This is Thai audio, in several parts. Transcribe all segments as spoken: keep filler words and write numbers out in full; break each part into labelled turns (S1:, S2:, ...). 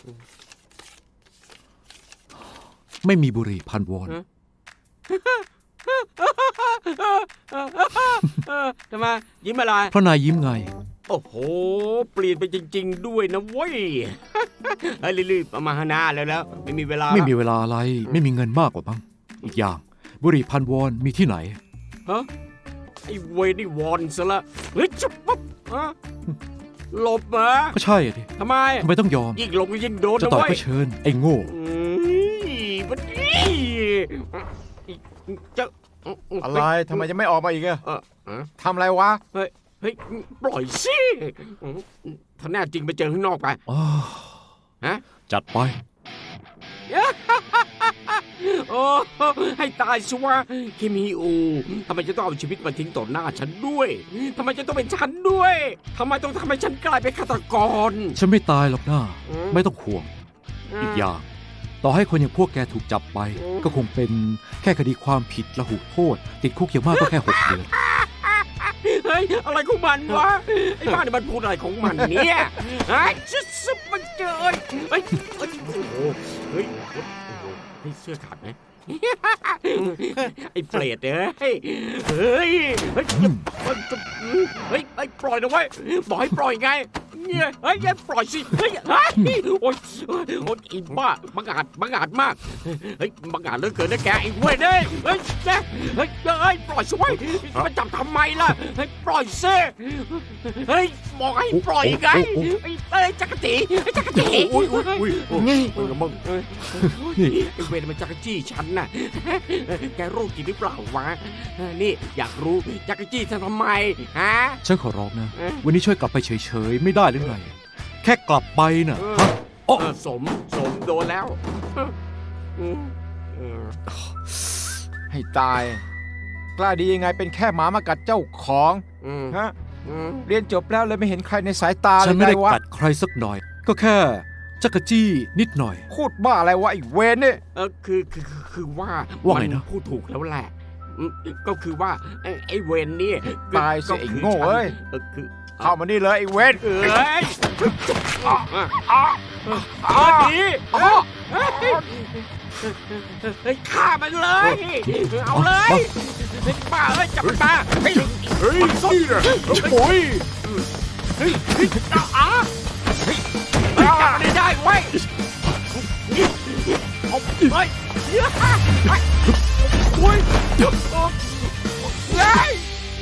S1: ไม่มีบุหรี่พันวอน
S2: ทำไมยิ้มอะไร
S1: เพราะนายยิ้มไง
S2: โอ้โหเปลี่ยนไปจริงๆด้วยนะเว้ยไอ้รีบๆเอามาหาหน้าแล้วแล้วไม่มีเวลา
S1: ไม่มีเวลาอะไรไม่มีเงินมากกว่าบ้างอีกอย่างบุหรี่พันวอนมีที่ไหน
S2: ฮะไอ้เวนี่วอนซะละเฮ้ยจุ๊บปุ๊บฮะหลบมา
S1: ก็ใช่ดิ
S2: ทำไม
S1: ทำไมต้องยอม
S2: ยิ่งหลบยิ่งโดน
S1: จะต่อยก็เชิญไอ้โง่
S2: จะ
S3: อะไรทำไมจะไม่ออกมาอีกอะทำอะไรวะ
S2: เฮ้ยเฮ้ยปล่อยสิถ้าแน่จริงไปเจอข้างนอกไป
S1: ฮะจัดไป
S2: โอ้ให้ตายชัวเคมีอูทำไมจะต้องเอาชีวิตมาทิ้งต่อหน้าฉันด้วยทำไมจะต้องเป็นฉันด้วยทำไมต้องทำให้ฉันกลายเป็นฆาตกร
S1: ฉันไม่ตายหรอกนะไม่ต้องห่วงอีกอย่างต่อให้คนอย่างพวกแกถูกจับไปก็คงเป็นแค่คดีความผิดละหุโทษติดคุกอย่างมากก็แค่หกเดือน
S2: เฮ้ยอะไรของมันวะไอ้บ้านี่มันพูดอะไรของมันเนี่ยไอ้ชิสมันเจอเฮ้ยเฮ้ยโอ้โหเฮ้ยเฮ้ยเสื้อขาดไหมไอ้เปรตเอ้ยเฮ้ยเฮ้ยเฮ้ยเฮ้ยปล่อยนะเว้ยบอกให้ปล่อยไงเนี่ยเฮ้ยปล่อยสิเฮ้ยเฮ้ยโอ๊ยโอ๊ยอีบ้าบังอาจบังอาจมากเฮ้ยบังอาจเหลือเกินนะแกไอ้เว้ยเฮ้ยเฮ้ยเฮ้ยเฮ้ยปล่อยสิเว้ยมาจับทำไมล่ะเฮ้ยปล่อยสิเฮ้ยบอกให้ปล่อยไงไอ้เอ้ยจักรจีไอ้จักรจี
S3: อุ้ยอุ้ยอุ้ยนี่มึง
S2: ไอ้เว้ยมันจักรจี้ฉันน่ะแกโรคจิตหรือเปล่าวะนี่อยากรู้จักรจี้ฉันทำไมฮะ
S1: ฉันขอร้องนะวันนี้ช่วยกลับไปเฉยๆไม่ได้หรือไงแค่กลับไปน่ะฮะ
S2: โอ้สมสมโดนแล้ว
S3: ให้ตายกล้าดียังไงเป็นแค่หมามากัดเจ้าของฮะเรียนจบแล้วเลยไม่เห็นใครในสายตาเลย
S1: ฉันไม่ได้กัดใครสักหน่อยก็แค่จักรจี้นิดหน่อย
S3: พูดบ้าอะไรวะไอ้เวนเนี่ย
S2: เออคือคือคือว่า
S1: ว่าไงนะ
S2: พูดถูกแล้วแหละก็คือว่าไอ้เวนนี่
S3: ตายสิไอ้โง่เอ้ย
S2: คือ
S3: เข้ามานี่เลยไอ้เวน
S2: เอ้ยอ๋ออ๋อดีเฮ้ยฆ่ามันเลยเอาเลยเฮ้ยป้าเอ้ยจับมันมาเฮ้ย
S3: เฮ้ยนี่นะโอ้ย
S2: เฮ้ยเฮ้ยอ๋อเฮ้ยจับมันได้เว้ยเอาเฮ้ยโอ้ยเฮ้ย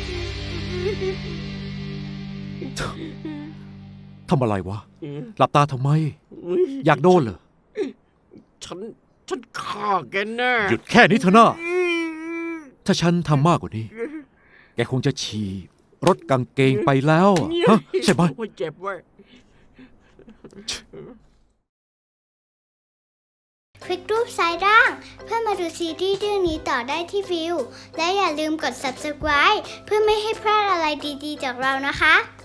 S1: ทำอะไรวะหลับตาทำไมอยากโดนเหรอ
S2: ฉันฉันฆ่าแกแน่
S1: หยุดแค่นี้เถอะนะถ้าฉันทำมากกว่านี้แกคงจะฉี่รถกางเกงไปแล้วฮะใช่ไหม
S2: เจ็บเว้ย
S4: คลิกรูปซ้ายล่างเพื่อมาดูซีรีส์เรื่องนี้ต่อได้ที่วิวและอย่าลืมกด ซับสไครบ์ เพื่อไม่ให้พลาดอะไรดีๆจากเรานะคะ